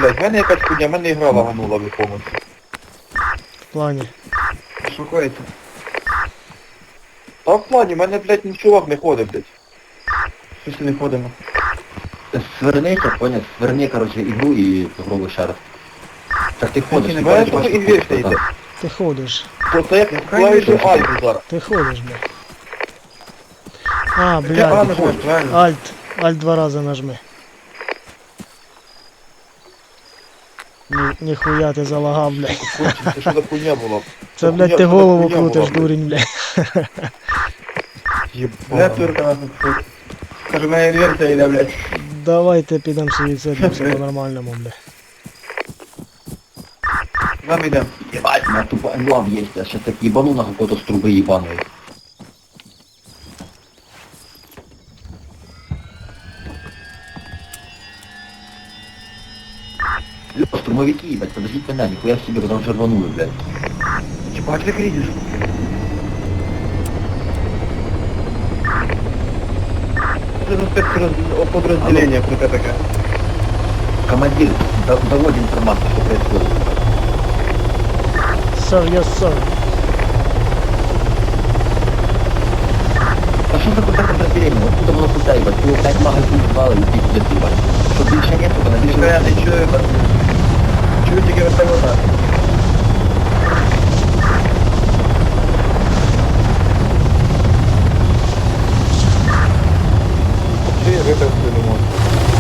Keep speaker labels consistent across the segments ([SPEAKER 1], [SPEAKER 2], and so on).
[SPEAKER 1] блядь, в мене якась хуйня, в мене ігра лаганула в якомусь.
[SPEAKER 2] В плані.
[SPEAKER 3] Шукається.
[SPEAKER 1] Та в плані, в мене, блядь, ні чувак не ходить, блядь.
[SPEAKER 3] Щось не ходимо.
[SPEAKER 4] Свернися, понял? Сверни, короче, игру и попробуй ще раз. Так ти ходиш,
[SPEAKER 3] не
[SPEAKER 1] В
[SPEAKER 4] ти
[SPEAKER 1] мене
[SPEAKER 4] бачиш,
[SPEAKER 1] тільки
[SPEAKER 4] що
[SPEAKER 1] ігри
[SPEAKER 4] ходиш,
[SPEAKER 1] йде.
[SPEAKER 4] там.
[SPEAKER 2] Ти ходиш.
[SPEAKER 1] То це як клавіші альфу зараз.
[SPEAKER 2] Ти ходиш, блядь. А,
[SPEAKER 3] Я
[SPEAKER 2] блядь.
[SPEAKER 3] рано ж правильно.
[SPEAKER 2] Альт 2 рази нажми. Ніхуя ти залагав, блядь.
[SPEAKER 1] Кончим, це що за хуйня була?
[SPEAKER 2] Це, блядь, ти голову крутиш, дурень, блядь.
[SPEAKER 3] Я
[SPEAKER 1] Єбана.
[SPEAKER 3] турка нас тут. Кажу, моя інверсія йде, блядь.
[SPEAKER 2] Давайте підемо собі відсидимося по-нормальному, блядь.
[SPEAKER 3] Нам йдемо.
[SPEAKER 4] Ебать, у меня тупо лав есть, я сейчас так ебану на какой-то с трубы ебаной. Лёва, штурмовики, ебать, подождите меня, нихуя себе, потому что рванули, блядь.
[SPEAKER 3] Чіпач ти крізиш. Це за спецподрозділення круте таке.
[SPEAKER 4] Командир, доводи информацию, что происходит.
[SPEAKER 2] Sir, yes, sir.
[SPEAKER 4] А что за какое-то подразделение? Вот тут оно куда, ебать, его 5 магазин звало и пиздец, ебать. Что больше нет, то
[SPEAKER 3] Ніхто я не чую, пацани. Чую тільки вертольота.
[SPEAKER 1] Чи випивки не можу.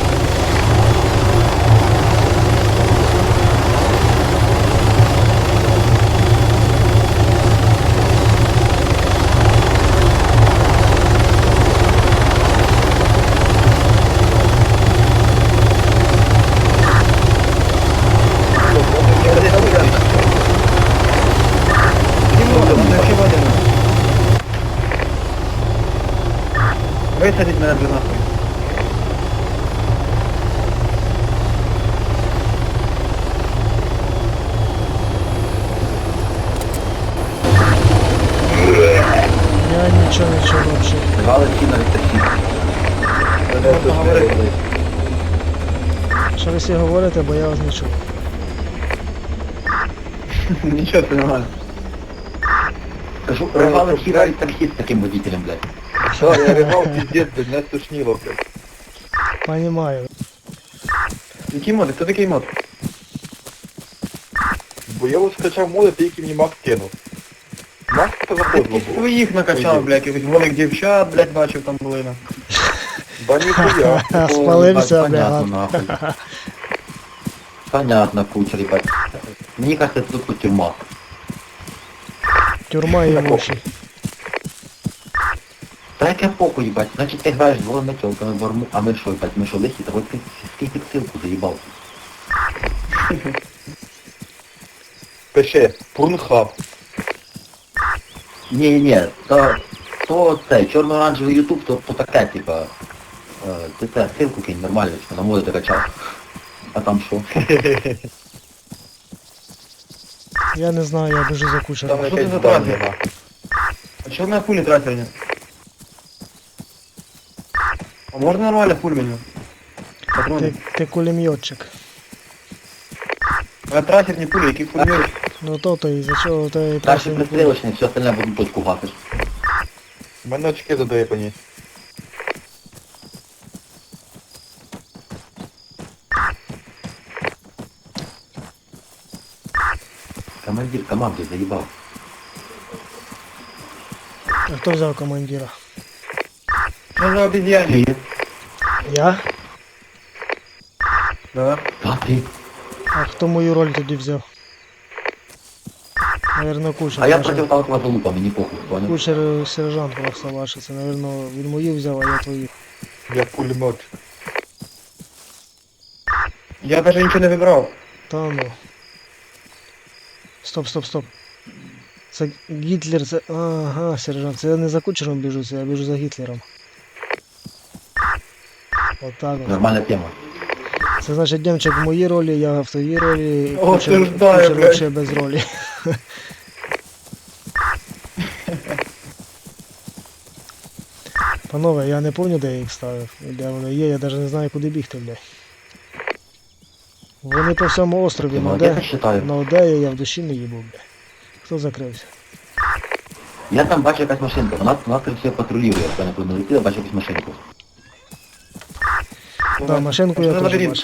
[SPEAKER 3] Висадіть мене вже нахуй.
[SPEAKER 2] Я нічого не чув вообще.
[SPEAKER 4] Звали всі на літачі.
[SPEAKER 3] Можна говорити.
[SPEAKER 2] Що ви всі говорите, бо я вас не чув.
[SPEAKER 3] Нічого, це нормально.
[SPEAKER 4] Скажу, рвали всі навіть таксі з таким водителем, блядь.
[SPEAKER 1] Да, я ригав, пиздец, блядь, мене стошнило, блядь.
[SPEAKER 2] Понімаю.
[SPEAKER 3] Який мод? Хто такий мод?
[SPEAKER 1] Бо я ось скачав моди, ти який мені Макс кинув. Макс це заходило
[SPEAKER 3] Ти
[SPEAKER 1] було.
[SPEAKER 3] своїх накачав, блядь, якихось голих дівчат, блядь, бачив там були на.
[SPEAKER 1] Да ніхуя.
[SPEAKER 2] Спалився,
[SPEAKER 4] Понятно,
[SPEAKER 2] блядь.
[SPEAKER 4] нахуй. Понятно, кучер, ебать. Мне кажется, это тут тюрьма.
[SPEAKER 2] Тюрма і воші.
[SPEAKER 4] Да яке похуй, ебать. Значит, ты играешь с голыми телками в арму, а мы что, ебать, мы что, лихи? Да вот ты ссылку заебал.
[SPEAKER 1] Пише, Порнхаб.
[SPEAKER 4] Не, то це, чорно-оранжевий ютуб, то таке, типа, ти це, ссылку кинь нормально, що на моди докачав. А там що?
[SPEAKER 2] Я не знаю, я дуже
[SPEAKER 1] Там
[SPEAKER 2] закучений.
[SPEAKER 3] Що це
[SPEAKER 1] якась
[SPEAKER 3] за
[SPEAKER 1] здання,
[SPEAKER 3] трасер?
[SPEAKER 1] нахуй.
[SPEAKER 3] А чого на пулі трасерні? А можна нормально пуль мені? Патрони.
[SPEAKER 2] Ти кулеметчик.
[SPEAKER 3] А трасерні пулі, які пулі?
[SPEAKER 2] Ну то і за чого ти
[SPEAKER 4] Дальше
[SPEAKER 2] просто не
[SPEAKER 4] пристрілочний, все остальне буду точку гапиш.
[SPEAKER 1] У мене очки задрипані.
[SPEAKER 4] Командир команди заїбав.
[SPEAKER 2] А хто взяв командира?
[SPEAKER 3] Що за обезьяни?
[SPEAKER 4] Привіт.
[SPEAKER 2] Я?
[SPEAKER 3] Да.
[SPEAKER 4] А ти?
[SPEAKER 2] А хто мою роль тоді взяв? Наверно, кучер.
[SPEAKER 4] А я
[SPEAKER 2] Ваш-
[SPEAKER 4] проти танкова залупа, мені похуй, понял?
[SPEAKER 2] Кучер сержант просто ваш. Це, наверно, він мою взяв, а я твою.
[SPEAKER 1] Я пулемет.
[SPEAKER 3] Я навіть нічого не вибрав.
[SPEAKER 2] Та ну. Стоп. Це Гітлер, це... Ага, сержант. Це я не за кучером біжу, це я біжу за Гітлером. Отак от.
[SPEAKER 4] Нормальна тема.
[SPEAKER 2] Це значить Демчик в моїй ролі, я в твоїй ролі,
[SPEAKER 3] Осуждаю,
[SPEAKER 2] кучер
[SPEAKER 3] блядь.
[SPEAKER 2] вообще без ролі. Панове, я не пам'ятаю, де я їх ставив, і де вони є, я навіть не знаю, куди бігти, блядь. Вони по всьому острові,
[SPEAKER 4] Ти
[SPEAKER 2] но
[SPEAKER 4] молодець,
[SPEAKER 2] де,
[SPEAKER 4] я считаю.
[SPEAKER 2] но де я в душі не їбу, бля. Хто закрився?
[SPEAKER 4] Я там бачу якась машинка, вона це все патрулює, як я не помилити, я бачу якусь машинку.
[SPEAKER 2] Да, машинку я
[SPEAKER 3] Пошли на
[SPEAKER 2] теж
[SPEAKER 3] лабіринт.
[SPEAKER 2] бачу.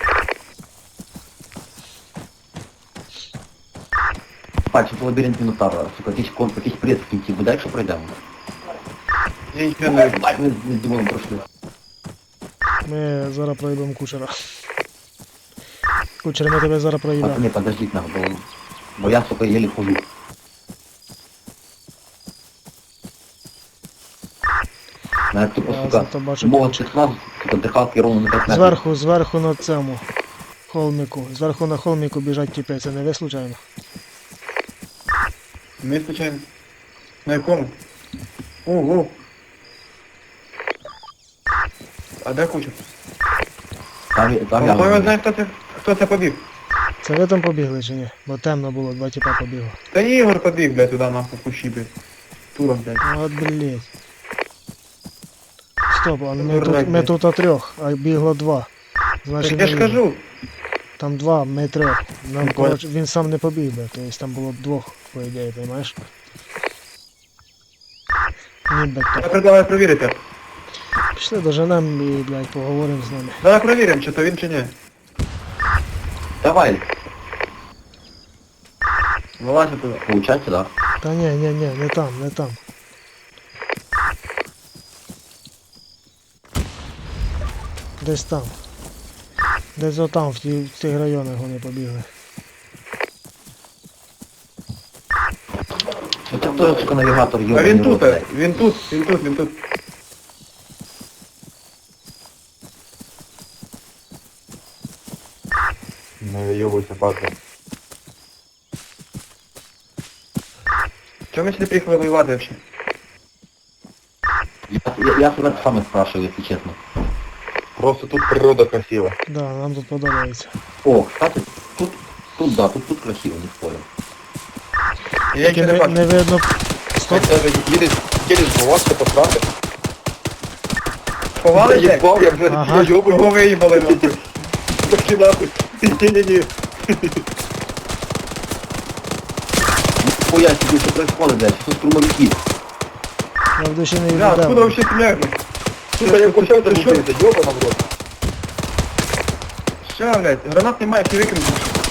[SPEAKER 4] Бачу, це лабіринт Мінотавра, сука, якийсь прес в кінці буде, якщо пройдемо.
[SPEAKER 3] Я нічого не вижу.
[SPEAKER 4] Бать, ми з Дімоном пройшли.
[SPEAKER 2] Ми зараз проїбемо кучера. Кучер, ми тебе зараз проїбемо.
[SPEAKER 4] Пацани, подождіть нас, бо я, сука, єлі хожу. Мене тупо,
[SPEAKER 2] Я
[SPEAKER 4] сука,
[SPEAKER 2] зато бачу
[SPEAKER 4] мова
[SPEAKER 2] ключик.
[SPEAKER 4] цих нас, сука, дихалки ровно на 5 метрів.
[SPEAKER 2] Зверху на цьому холмику. Зверху на холмику біжать тіпи, це не ви случайно?
[SPEAKER 3] Ми случайно. На якому? Ого. А де куча?
[SPEAKER 4] Там я
[SPEAKER 3] Хто його знає, хто це побіг?
[SPEAKER 2] Це ви там побігли чи ні? Бо темно було, два тіпа побігло.
[SPEAKER 3] Та Ігор побіг, блядь, туди нахуй в кущі, блядь. Туром, блядь.
[SPEAKER 2] От блять. Стоп, а ми
[SPEAKER 3] Дурак,
[SPEAKER 2] тут, ми
[SPEAKER 3] блядь.
[SPEAKER 2] тут о трьох, а бігло два.
[SPEAKER 3] Так
[SPEAKER 2] Значить,
[SPEAKER 3] я ж
[SPEAKER 2] не
[SPEAKER 3] кажу.
[SPEAKER 2] там два, ми трьох. Нам,
[SPEAKER 3] Ну,
[SPEAKER 2] коротше, він сам не побіг би, тобто там було б двох, по ідеї, розумієш? Ні,
[SPEAKER 3] Я
[SPEAKER 2] так.
[SPEAKER 3] предлагаю перевірити.
[SPEAKER 2] Пішли доженем і, блядь, поговоримо з ними.
[SPEAKER 3] Давай перевіримо, чи то він чи ні.
[SPEAKER 4] Давай,
[SPEAKER 3] Вилазь туди.
[SPEAKER 4] получается, да?
[SPEAKER 2] Та ні, не там, не там. Десь там. Десь отам, в тих районах вони побігли.
[SPEAKER 4] Це хто, сука, навігатор,
[SPEAKER 3] А
[SPEAKER 4] йобаний
[SPEAKER 3] він
[SPEAKER 4] рот,
[SPEAKER 3] тут,
[SPEAKER 4] блядь.
[SPEAKER 3] він тут.
[SPEAKER 1] Не вийобуйся, патрон.
[SPEAKER 3] Чому ми сюди приїхали воювати взагалі?
[SPEAKER 4] Я себе саме спрашиваю, якщо чесно.
[SPEAKER 1] Просто тут природа красива.
[SPEAKER 2] Да, нам тут подобається.
[SPEAKER 4] О, кстати, тут красиво, не спорю.
[SPEAKER 3] Я
[SPEAKER 2] Тільки
[SPEAKER 3] нічого не
[SPEAKER 2] не,
[SPEAKER 3] бачу.
[SPEAKER 2] не видно. Стоп.
[SPEAKER 1] Стоп. Даже їдеш сховатися, посрати.
[SPEAKER 3] Ховали, блядь?
[SPEAKER 1] Їбав, я вже
[SPEAKER 2] Ага.
[SPEAKER 1] йобую.
[SPEAKER 3] Кого виїбали, нахуй?
[SPEAKER 1] Пошли нахуй. Ні-ні-ні.
[SPEAKER 4] Хуя себе, що происходит, блядь, що штурмовики?
[SPEAKER 2] Я в душі не
[SPEAKER 3] Бля, откуда
[SPEAKER 2] віддав.
[SPEAKER 3] вообще стреляют?
[SPEAKER 1] Сука, я почав це робити, йобана в рот.
[SPEAKER 3] Ща, блядь, гранат немає, всі викинути.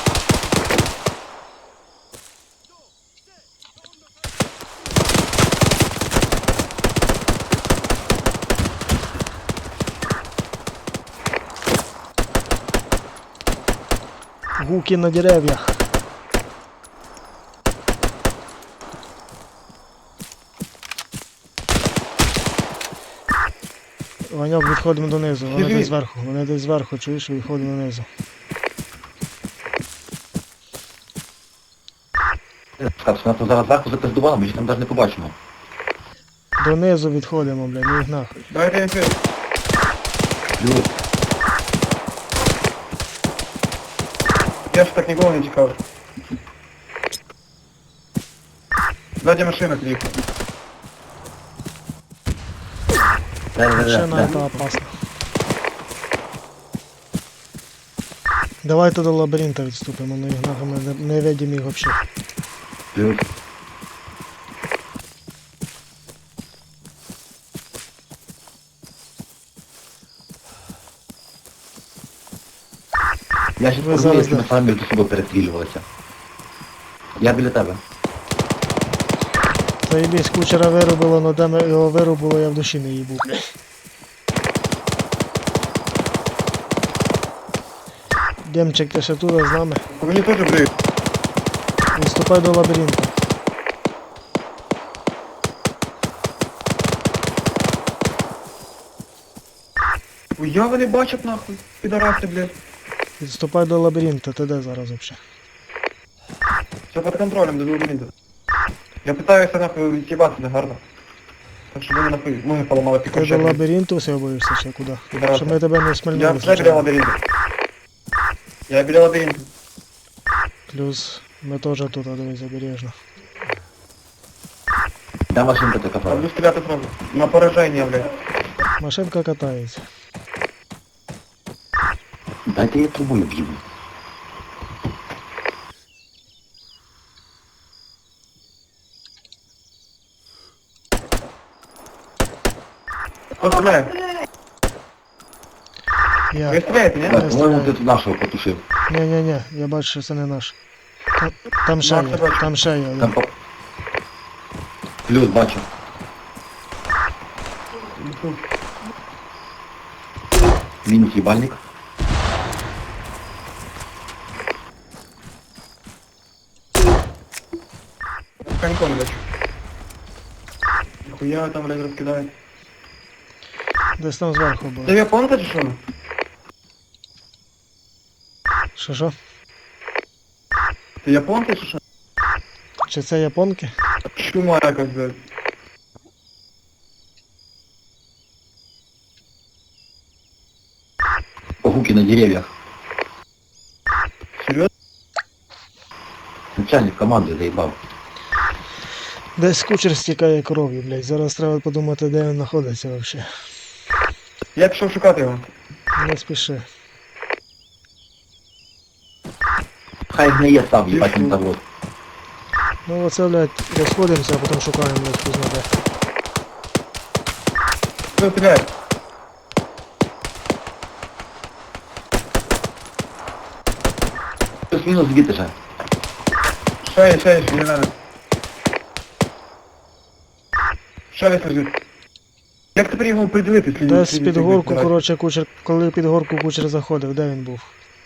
[SPEAKER 2] Гуки на дерев'ях. Ваньок, відходимо донизу, вони
[SPEAKER 3] Біжи.
[SPEAKER 2] десь зверху, чуєш, відходимо донизу.
[SPEAKER 4] Скажу, нас тут зараз зверху запиздувало, ми ж там навіть не побачимо.
[SPEAKER 2] Донизу відходимо, бля, ну їх нахуй.
[SPEAKER 3] Давайте я свет.
[SPEAKER 4] Плюс,
[SPEAKER 3] Я ж так ніколи не тікав. Ззаді машина приїхала.
[SPEAKER 2] Машина это опасно. Давайте до лабіринта відступимо, ну їх нахуй ми не видимо їх взагалі.
[SPEAKER 4] плюс. Я ще
[SPEAKER 2] Ви
[SPEAKER 4] подумав,
[SPEAKER 2] зараз
[SPEAKER 4] якщо ми
[SPEAKER 2] де?
[SPEAKER 4] самі між собою перестрілювалися. Я біля тебе.
[SPEAKER 2] Заєбісь, кучера вирубило, но де ми його вирубило, я в душі не їбу, блядь. Демчик, ти ще тут з нами.
[SPEAKER 3] По мені теж бриють.
[SPEAKER 2] Відступай до лабіринту.
[SPEAKER 3] Я вони бачать нахуй. Підараси, блядь.
[SPEAKER 2] Відступай до лабіринту, ти де зараз взагалі?
[SPEAKER 3] Все під контролем, до лабіринту. Я питаюся нахуй від'їбати, не гарно. Так щоб вони нахуй ноги поламали
[SPEAKER 2] Ти до
[SPEAKER 3] пікачем.
[SPEAKER 2] лабіринту все боїшся чи куди?
[SPEAKER 3] Підараси.
[SPEAKER 2] Щоб ми тебе не
[SPEAKER 3] Я
[SPEAKER 2] смальнули.
[SPEAKER 3] все біля
[SPEAKER 2] случайно.
[SPEAKER 3] лабіринту. Я біля лабіринту.
[SPEAKER 2] Плюс ми теж тут, а дивись, обережно.
[SPEAKER 4] Де машинка така
[SPEAKER 3] А
[SPEAKER 4] правда?
[SPEAKER 3] буду стріляти сразу. На пораження, блядь.
[SPEAKER 2] Машинка катається.
[SPEAKER 4] Дайте я трубою б'ю.
[SPEAKER 3] Стріляю. Ви
[SPEAKER 2] Я.
[SPEAKER 3] стріляєте, ні?
[SPEAKER 4] Так, по-моєму, ти тут нашого потушив.
[SPEAKER 2] Ні, я бачу, що це не наш. Там ще
[SPEAKER 3] Макса
[SPEAKER 2] є,
[SPEAKER 3] бачу.
[SPEAKER 2] там ще є.
[SPEAKER 4] Там по... Плюс бачу. Мінус їбальник.
[SPEAKER 3] Коньком лечу. Нихуя там, блядь, розкидають.
[SPEAKER 2] Десь там зверху
[SPEAKER 3] Це
[SPEAKER 2] було.
[SPEAKER 3] японка чи що?
[SPEAKER 2] Що?
[SPEAKER 3] Це японка чи що?
[SPEAKER 2] Чи це японки?
[SPEAKER 3] Чума якась, блядь.
[SPEAKER 4] Гуки на деревьях.
[SPEAKER 3] Серйозно?
[SPEAKER 4] Начальник команди заїбав.
[SPEAKER 2] Десь кучер стікає кров'ю, блядь. Зараз треба подумати, де він знаходиться взагалі.
[SPEAKER 3] Я пішов шукати його.
[SPEAKER 2] Не спіши.
[SPEAKER 4] Хай гниє сам, їбать він завод.
[SPEAKER 2] Ну оце, блядь, розходимося, а потім шукаємо, блядь, хто знає.
[SPEAKER 3] Хто стріляє?
[SPEAKER 4] Плюс-мінус звідти же.
[SPEAKER 3] Ще є, не надо. Ще десь лежить. Як тепер його приділити?
[SPEAKER 2] Десь під горку, коротше, кучер, коли під горку кучер заходив, де він був?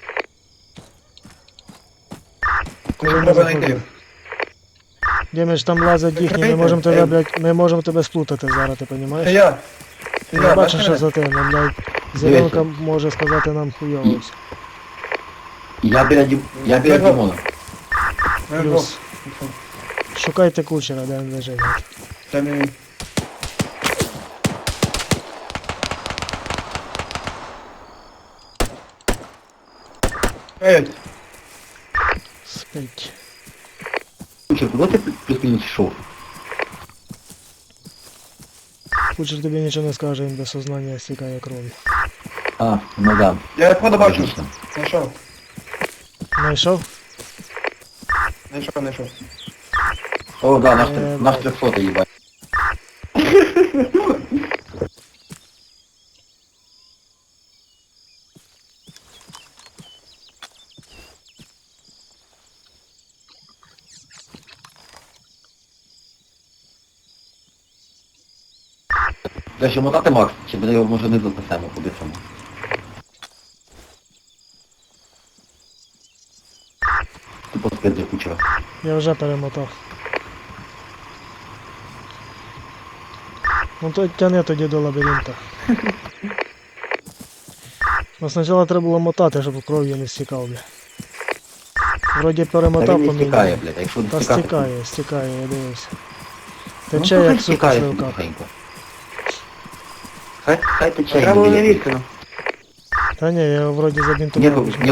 [SPEAKER 2] Коли не
[SPEAKER 3] Треба знайти.
[SPEAKER 2] заходив. Діміч, там лазять їхні, ми
[SPEAKER 3] Закрийте,
[SPEAKER 2] можемо тебе,
[SPEAKER 3] ей.
[SPEAKER 2] блядь, ми можемо тебе сплутати зараз, ти
[SPEAKER 3] Це
[SPEAKER 2] розумієш?
[SPEAKER 3] я. Це
[SPEAKER 2] Я
[SPEAKER 3] я,
[SPEAKER 2] бачу,
[SPEAKER 3] бачиш
[SPEAKER 2] що
[SPEAKER 3] мене?
[SPEAKER 2] за тебе, блядь. Зеленка може сказати нам хуйово.
[SPEAKER 4] Я біля Дімона.
[SPEAKER 3] Мене
[SPEAKER 2] Плюс.
[SPEAKER 3] двох.
[SPEAKER 2] Шукайте кучера, де він лежить.
[SPEAKER 3] Це не він. Ей,
[SPEAKER 2] Спить.
[SPEAKER 4] Кучер, куди ти плюс-мінус йшов?
[SPEAKER 2] Кучер тобі нічого не скаже, він без сознання стікає кров'ю.
[SPEAKER 4] А, ну да.
[SPEAKER 3] я відходу бачу.
[SPEAKER 4] Логічно.
[SPEAKER 3] Знайшов.
[SPEAKER 2] Знайшов?
[SPEAKER 3] Знайшов.
[SPEAKER 4] О, да, наш
[SPEAKER 2] Ебать.
[SPEAKER 4] 300 їбать. Де ще мотати Макс? Чи буде його може не записемо по-бистрому? Тупо спит за кучера.
[SPEAKER 2] Я вже перемотав. Ну то тяни тоді до лабіринта. Ну спочатку треба було мотати, щоб кров'ю не стікав, бля. Вроді
[SPEAKER 4] Та
[SPEAKER 2] перемотав
[SPEAKER 4] він не
[SPEAKER 2] поміняв.
[SPEAKER 4] стікає, блядь, а якщо не
[SPEAKER 2] Та
[SPEAKER 4] стікати...
[SPEAKER 2] стікає, я дивився.
[SPEAKER 4] Ну,
[SPEAKER 2] Тече
[SPEAKER 4] то хай
[SPEAKER 2] як сука
[SPEAKER 4] стікає собі
[SPEAKER 2] сливка.
[SPEAKER 4] тихенько. Хай тече.
[SPEAKER 3] Треба було не лізти, ну.
[SPEAKER 2] Та ні, я його вроді
[SPEAKER 4] Ні,
[SPEAKER 2] забінтував.
[SPEAKER 4] ні,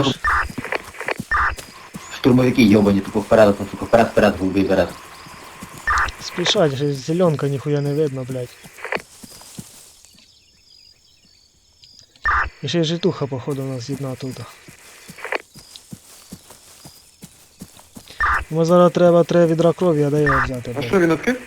[SPEAKER 4] штурмовики йобані, тупо вперед, тупо вперед, голубий берет.
[SPEAKER 2] Спішать, ще зеленка ніхуя не видно, блядь. І ще й житуха, походу, у нас одна тут. Ми зараз треба 3 відра крові, а де його взяти?
[SPEAKER 3] А
[SPEAKER 2] блядь?
[SPEAKER 3] що, він відкрив?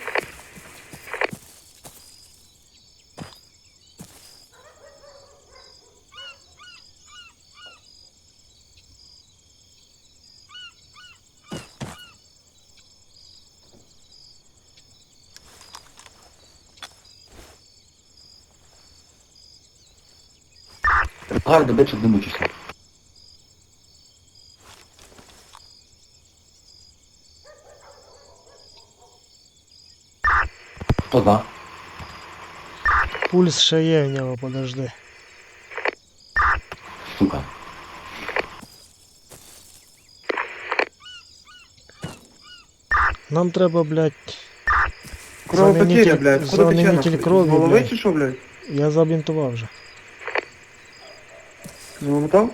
[SPEAKER 4] Гарно, де щоб не мучишся. Хто за?
[SPEAKER 2] Пульс ще є в нього, подожди.
[SPEAKER 4] Сука.
[SPEAKER 2] Нам треба, блядь,
[SPEAKER 3] Кровопотеря, блядь. Куди
[SPEAKER 2] заменитель
[SPEAKER 3] тече?
[SPEAKER 2] крові,
[SPEAKER 3] З голови
[SPEAKER 2] блядь.
[SPEAKER 3] чи що, блядь?
[SPEAKER 2] Я забінтував вже.
[SPEAKER 3] Замотав?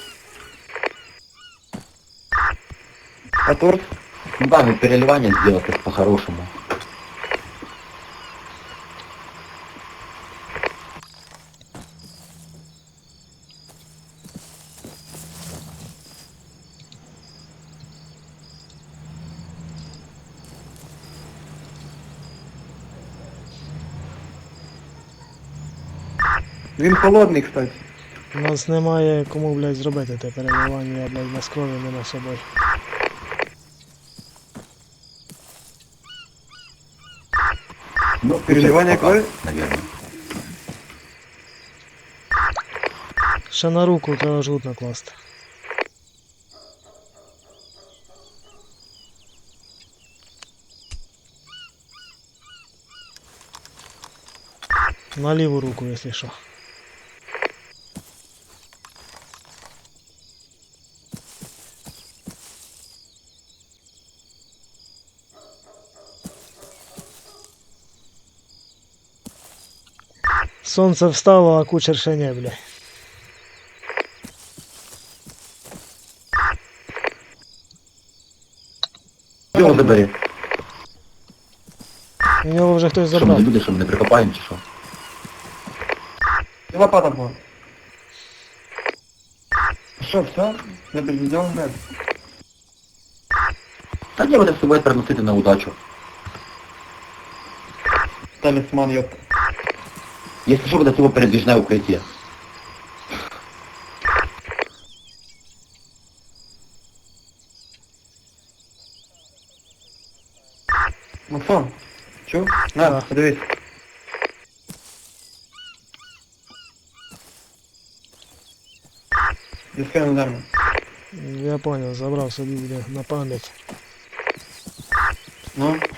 [SPEAKER 3] А торт?
[SPEAKER 4] Ну да, ну переливание сделать это по-хорошему.
[SPEAKER 3] Він холодний, кстати.
[SPEAKER 2] У нас немає кому, блядь, зробити те переливання, блядь, без крові нема з собою.
[SPEAKER 4] Ну,
[SPEAKER 3] Переливання крові?
[SPEAKER 4] Наверное.
[SPEAKER 2] Ще на руку треба жгут накласти. На ліву руку, якщо що. Сонце встало, а кучер ще не, бля.
[SPEAKER 4] Його забери.
[SPEAKER 2] У нього вже хтось
[SPEAKER 4] Що ми
[SPEAKER 2] забрав.
[SPEAKER 4] не люди, що ми не прикопаємо чи що?
[SPEAKER 3] І лопата була. Що, все? Не підведемо не?
[SPEAKER 4] Та ні, вони з собою переносити на удачу.
[SPEAKER 3] Талісман, йоп.
[SPEAKER 4] Якщо що, буде цього передвіжне укриття.
[SPEAKER 3] Максон, чув? На,
[SPEAKER 2] Так.
[SPEAKER 3] подивись. Дискай на землю.
[SPEAKER 2] Я понял, забрав собі, буде на пам'ять.
[SPEAKER 3] Ну,